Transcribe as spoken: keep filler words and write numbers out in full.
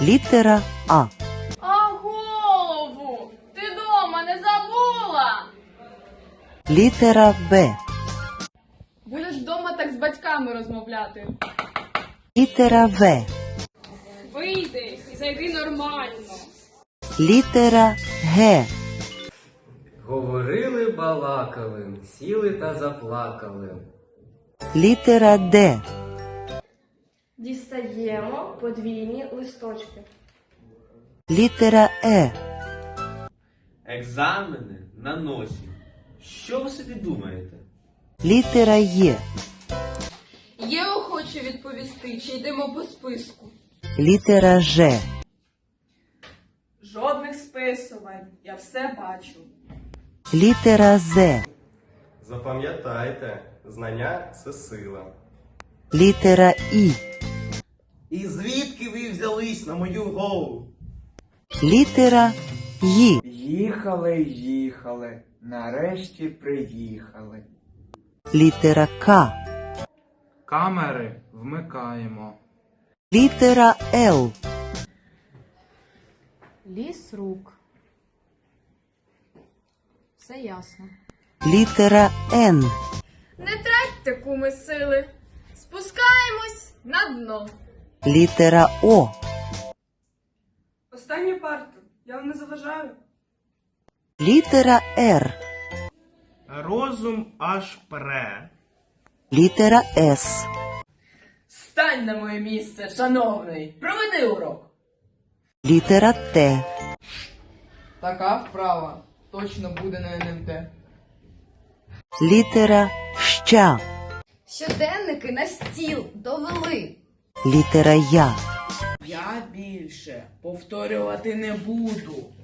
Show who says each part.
Speaker 1: Літера А.
Speaker 2: А голову? Ти дома не забула?
Speaker 1: Літера Б.
Speaker 2: Будеш вдома так з батьками розмовляти.
Speaker 1: Літера В.
Speaker 2: Вийди і зайди нормально.
Speaker 1: Літера Г.
Speaker 3: Говорили, балакали, сіли та заплакали.
Speaker 1: Літера Д.
Speaker 4: Дістаємо подвійні листочки.
Speaker 1: Літера Е.
Speaker 5: Екзамени на носі. Що ви собі думаєте?
Speaker 1: Літера Є.
Speaker 2: Є охоче відповісти, чи йдемо по списку?
Speaker 1: Літера Ж.
Speaker 6: Жодних списувань, я все бачу.
Speaker 1: Літера З.
Speaker 7: Запам'ятайте, знання – це сила.
Speaker 1: Літера І.
Speaker 5: І звідки ви взялись на мою голову?
Speaker 1: Літера Й.
Speaker 8: Їхали, їхали, нарешті приїхали.
Speaker 1: Літера К.
Speaker 8: Камери вмикаємо.
Speaker 1: Літера Л.
Speaker 9: Ліс рук. Все ясно.
Speaker 1: Літера Н.
Speaker 2: Не тратьте, куми, сили. Спускаємось на дно.
Speaker 1: Літера О.
Speaker 6: Останню парту, я вам не заважаю.
Speaker 1: Літера Р.
Speaker 8: Розум аж пре.
Speaker 1: Літера С.
Speaker 6: Стань на моє місце, шановний. Проведи урок.
Speaker 1: Літера Т.
Speaker 6: Така вправа точно буде на ен ем те.
Speaker 1: Літера Щ.
Speaker 9: Щоденники на стіл довели.
Speaker 1: Літера Я.
Speaker 6: Я більше повторювати не буду.